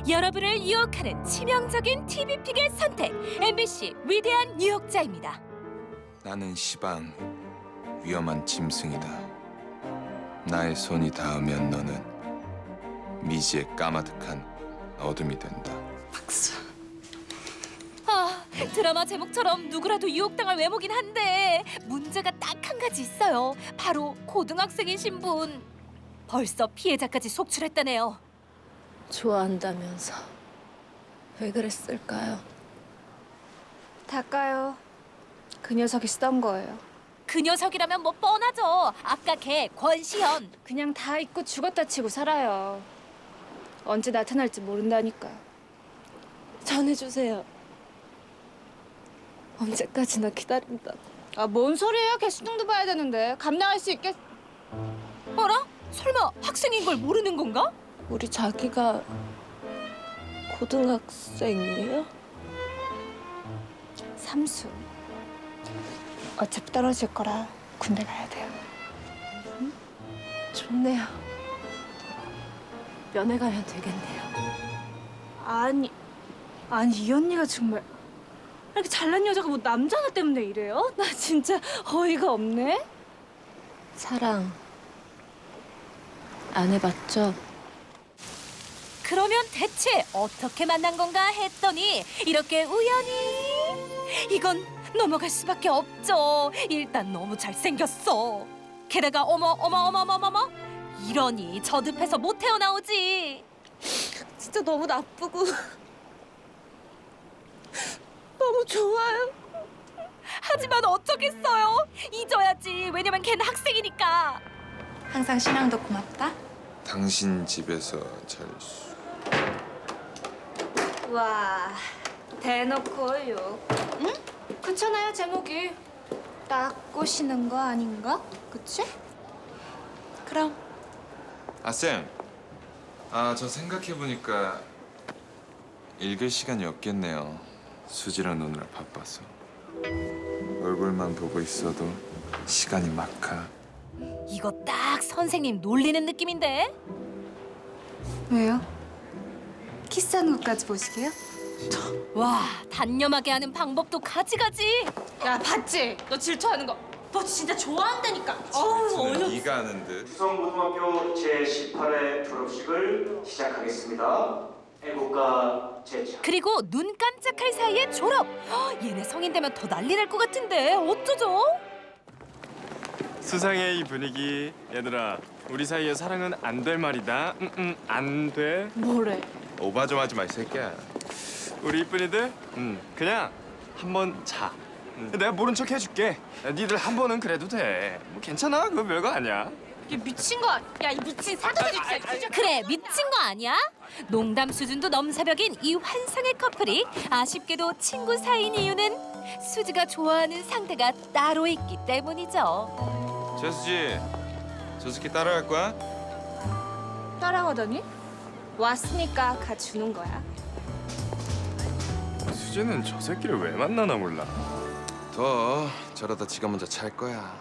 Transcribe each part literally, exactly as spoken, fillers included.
여러분을 유혹하는 치명적인 티비픽의 선택. 엠비씨 위대한 유혹자입니다. 나는 시방 위험한 짐승이다. 나의 손이 닿으면 너는 미지의 까마득한 어둠이 된다. 박수. 아, 드라마 제목처럼 누구라도 유혹당할 외모긴 한데 문제가 딱 한 가지 있어요. 바로 고등학생이신 분. 벌써 피해자까지 속출했다네요. 좋아한다면서 왜 그랬을까요? 닦아요. 그 녀석이 쓰던 거예요. 그 녀석이라면 뭐 뻔하죠. 아까 걔 권시현. 그냥 다 잊고 죽었다 치고 살아요. 언제 나타날지 모른다니까요. 전해주세요. 언제까지나 기다린다. 아, 뭔 소리예요? 걔 수능도 봐야 되는데 감당할 수 있겠... 어라? 설마 학생인 걸 모르는 건가? 우리 자기가 고등학생이에요? 삼수. 어차피 떨어질 거라 군대 가야 돼요. 좋네요. 면회 가면 되겠네요. 아니, 아니 이 언니가 정말 이렇게 잘난 여자가 뭐 남자 하나 때문에 이래요? 나 진짜 어이가 없네. 사랑 안 해봤죠? 그러면 대체 어떻게 만난 건가 했더니 이렇게 우연히 이건 넘어갈 수밖에 없죠. 일단 너무 잘생겼어. 게다가 어머 어머 어머 어머 어머 이러니 저듭해서 못 태어나오지. 진짜 너무 나쁘고 너무 좋아요. 하지만 어쩌겠어요. 잊어야지. 왜냐면 걔는 학생이니까. 항상 신앙도 고맙다. 당신 집에서 잘 수... 와, 대놓고 욕. 응? 그렇잖아요, 제목이. 딱 꼬시는 거 아닌가? 그치? 그럼 아, 쌤. 아, 저 생각해보니까 읽을 시간이 없겠네요. 수지랑 노느라 바빠서. 얼굴만 보고 있어도 시간이 막 가. 이거 딱 선생님 놀리는 느낌인데. 왜요? 키스하는 것까지 보시게요? 와, 단념하게 하는 방법도 가지가지. 야, 봤지? 너 질투하는 거. 너 진짜 좋아한다니까. 어우, 저는 네가 아는 듯. 수성고등학교 제십팔 회 졸업식을 시작하겠습니다. 애국가 제차. 그리고 눈 깜짝할 사이에 졸업. 헉, 얘네 성인 되면 더 난리 날 것 같은데 어쩌죠? 수상해 이 분위기. 얘들아, 우리 사이에 사랑은 안 될 말이다. 응, 응, 안 돼. 뭐래? 오바 좀 하지 마, 이 새끼야. 우리 이쁜이들, 응, 그냥 한번 자. 응. 내가 모른 척 해줄게. 야, 니들 한 번은 그래도 돼. 뭐 괜찮아, 그거 별거 아니야. 얘 미친 거. 야, 이 미친 사도들 진짜. 그래, 미친 거 아니야? 농담 수준도 넘사벽인 이 환상의 커플이 아쉽게도 친구 사이인 이유는 수지가 좋아하는 상대가 따로 있기 때문이죠. 최수지, 저 새끼 따라갈 거야? 따라가더니 왔으니까 가주는 거야. 수지는 저 새끼를 왜 만나나 몰라. 더 저러다 지가 먼저 찰 거야.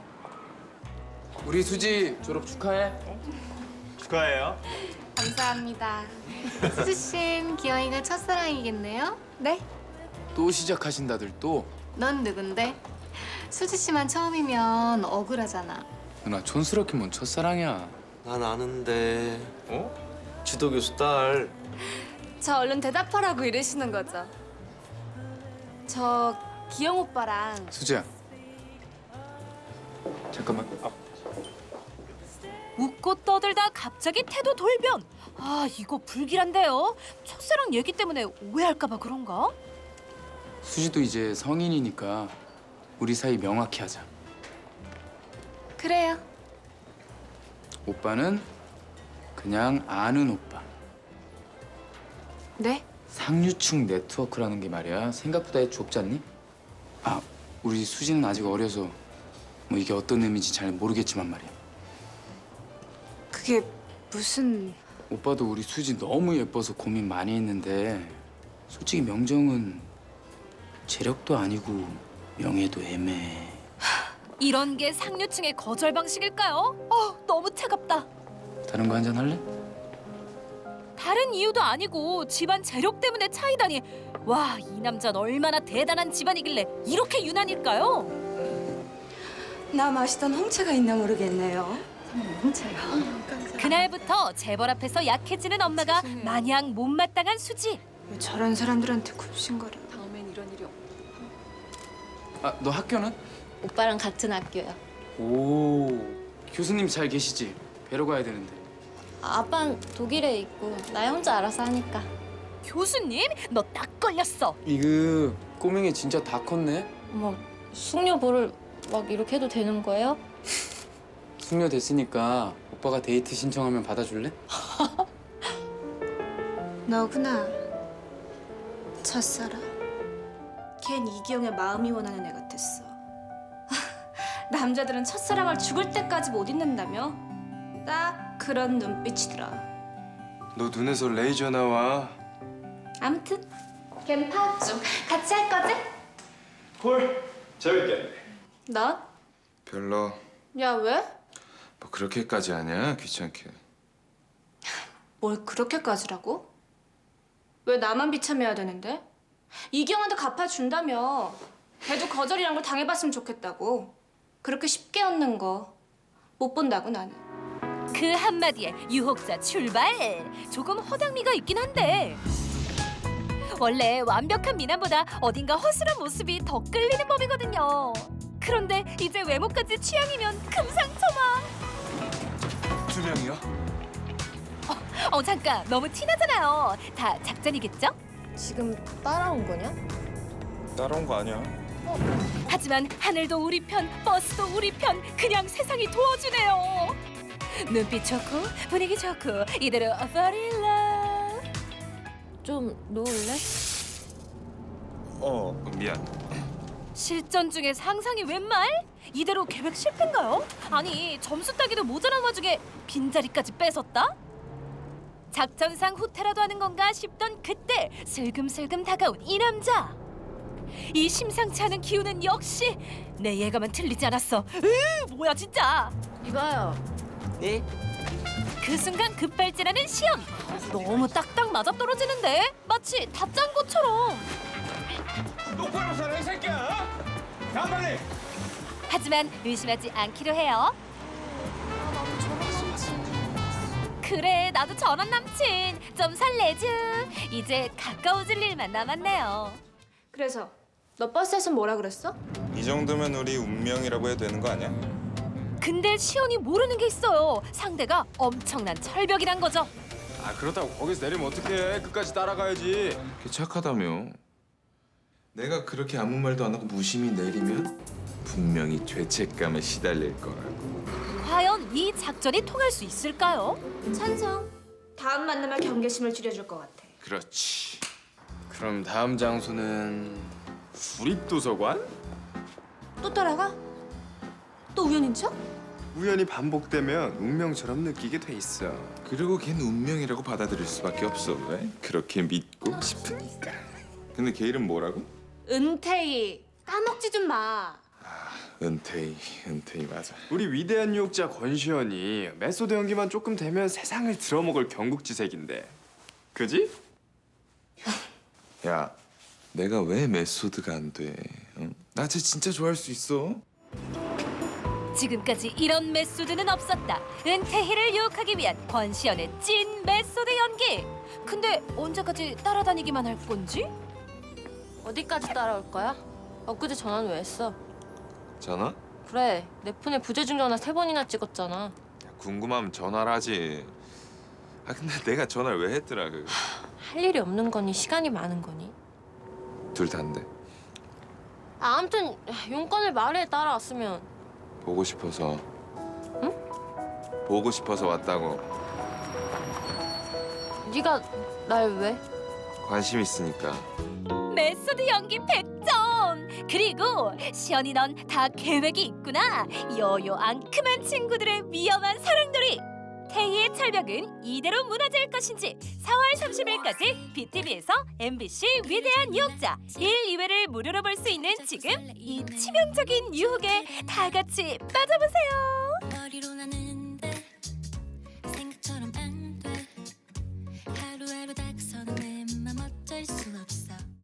우리 수지 졸업 축하해. 축하해요. 감사합니다. 수지씨는 기영이가 첫사랑이겠네요? 네? 또 시작하신다들 또. 넌 누군데? 수지씨만 처음이면 억울하잖아. 누나 촌스럽게 뭔 첫사랑이야. 난 아는데. 어? 지도 교수 딸. 저 얼른 대답하라고 이러시는 거죠? 저 기영 오빠랑 수지야. 잠깐만. 아, 웃고 떠들다 갑자기 태도 돌변. 아, 이거 불길한데요. 첫사랑 얘기 때문에 오해할까 봐 그런가? 수지도 이제 성인이니까 우리 사이 명확히 하자. 그래요. 오빠는 그냥 아는 오빠. 네? 상류층 네트워크라는 게 말이야. 생각보다 좁지 않니? 아, 우리 수지는 아직 어려서 뭐 이게 어떤 의미인지 잘 모르겠지만 말이야. 그게 무슨... 오빠도 우리 수지 너무 예뻐서 고민 많이 했는데 솔직히 명정은 재력도 아니고 명예도 애매해. 이런 게 상류층의 거절 방식일까요? 어, 너무 차갑다. 다른 거 한잔 할래? 다른 이유도 아니고 집안 재력 때문에 차이다니. 와, 이 남자는 얼마나 대단한 집안이길래 이렇게 유난일까요? 나 마시던 홍차가 있나 모르겠네요. 그날부터 재벌 앞에서 약해지는 엄마가 마냥 못마땅한 수지. 왜 저런 사람들한테 굽신거려? 아, 너 학교는? 오빠랑 같은 학교야. 오, 교수님 잘 계시지? 뵈러 가야 되는데. 아빠는 독일에 있고 나 혼자 알아서 하니까. 교수님, 너 딱 걸렸어. 이거 꼬맹이 진짜 다 컸네? 뭐 숙녀보를 막 이렇게 해도 되는 거예요? 숙녀 됐으니까 오빠가 데이트 신청하면 받아줄래? 너구나. 첫사랑. 걘 이기영의 마음이 원하는 애 같았어. 남자들은 첫사랑을 죽을 때까지 못 잊는다며? 딱 그런 눈빛이더라. 너 눈에서 레이저 나와. 아무튼 걘 파업 중. 같이 할 거지? 콜. 재밌겠네. 넌? 별로. 야 왜? 뭐 그렇게까지 하냐? 귀찮게. 뭘 그렇게까지라고? 왜 나만 비참해야 되는데? 이경한테 갚아준다며. 걔도 거절이란 걸 당해봤으면 좋겠다고. 그렇게 쉽게 얻는 거 못 본다고 나는. 그 한마디에 유혹자 출발. 조금 허당미가 있긴 한데 원래 완벽한 미남보다 어딘가 허술한 모습이 더 끌리는 법이거든요. 그런데 이제 외모까지 취향이면 금상첨화. 두 명이요? 어 잠깐, 너무 티나잖아요. 다 작전이겠죠? 지금 따라온 거냐? 따라온 거 아니야? 하지만 하늘도 우리 편, 버스도 우리 편, 그냥 세상이 도와주네요. 눈빛 좋고 분위기 좋고 이대로 fall in love. 좀 놓을래? 어. 미안. 실전 중에 상상이 웬 말? 이대로 계획 실패인가요? 아니, 점수 따기도 모자란 와중에 빈자리까지 뺏었다? 작전상 후퇴라도 하는 건가 싶던 그때 슬금슬금 다가온 이 남자. 이 심상치 않은 기운은 역시 내 예감은 틀리지 않았어. 으, 뭐야 진짜. 이봐요. 네? 그 순간 급발진하는 시연. 너무 딱딱 맞아떨어지는데 마치 다 짠 것처럼. 똑바로 살아 이 새끼야. 가 빨리. 하지만 의심하지 않기로 해요. 그래, 나도 저런 남친 좀 설레죠. 이제 가까워질 일만 남았네요. 그래서 너 버스에서 뭐라 그랬어? 이 정도면 우리 운명이라고 해도 되는 거 아니야? 근데 시연이 모르는 게 있어요. 상대가 엄청난 철벽이란 거죠. 아 그렇다고 거기서 내리면 어떡해. 끝까지 따라가야지. 걔 착하다며. 내가 그렇게 아무 말도 안 하고 무심히 내리면 분명히 죄책감에 시달릴 거라고. 과연 이 작전이 통할 수 있을까요? 찬성. 다음 만나면 경계심을 줄여줄 것 같아. 그렇지. 그럼 다음 장소는 구립도서관? 또 따라가? 또 우연인 척? 우연히 반복되면 운명처럼 느끼게 돼 있어. 그리고 걔는 운명이라고 받아들일 수밖에 없어. 왜? 그렇게 믿고 싶으니까. 근데 걔 이름 뭐라고? 은퇴희. 까먹지 좀 마. 은퇴희, 은퇴희 맞아. 우리 위대한 유혹자 권시현이 메소드 연기만 조금 되면 세상을 들어먹을 경국지색인데. 그지? 야, 내가 왜 메소드가 안 돼? 응? 나 쟤 진짜 좋아할 수 있어. 지금까지 이런 메소드는 없었다. 은퇴희를 유혹하기 위한 권시연의 찐 메소드 연기. 근데 언제까지 따라다니기만 할 건지? 어디까지 따라올 거야? 엊그제 전화는 왜 했어? 전화? 그래, 내 폰에 부재중 전화 세 번이나 찍었잖아. 야, 궁금하면 전화를 하지. 아 근데 내가 전화를 왜 했더라 그. 할 일이 없는 거니 시간이 많은 거니? 둘 다인데. 아, 아무튼 용건을 말해 따라왔으면. 보고 싶어서. 응? 보고 싶어서 왔다고. 네가 날 왜? 관심 있으니까. 메소드 연기 백 점! 그리고 시연이 넌 다 계획이 있구나. 여요 앙큼한 친구들의 위험한 사랑놀이. 태희의 철벽은 이대로 무너질 것인지 사월 삼십일까지 비티비에서 엠비씨 위대한 유혹자 일, 이 회를 무료로 볼 수 있는 지금 이 치명적인 유혹에 다 같이 빠져보세요.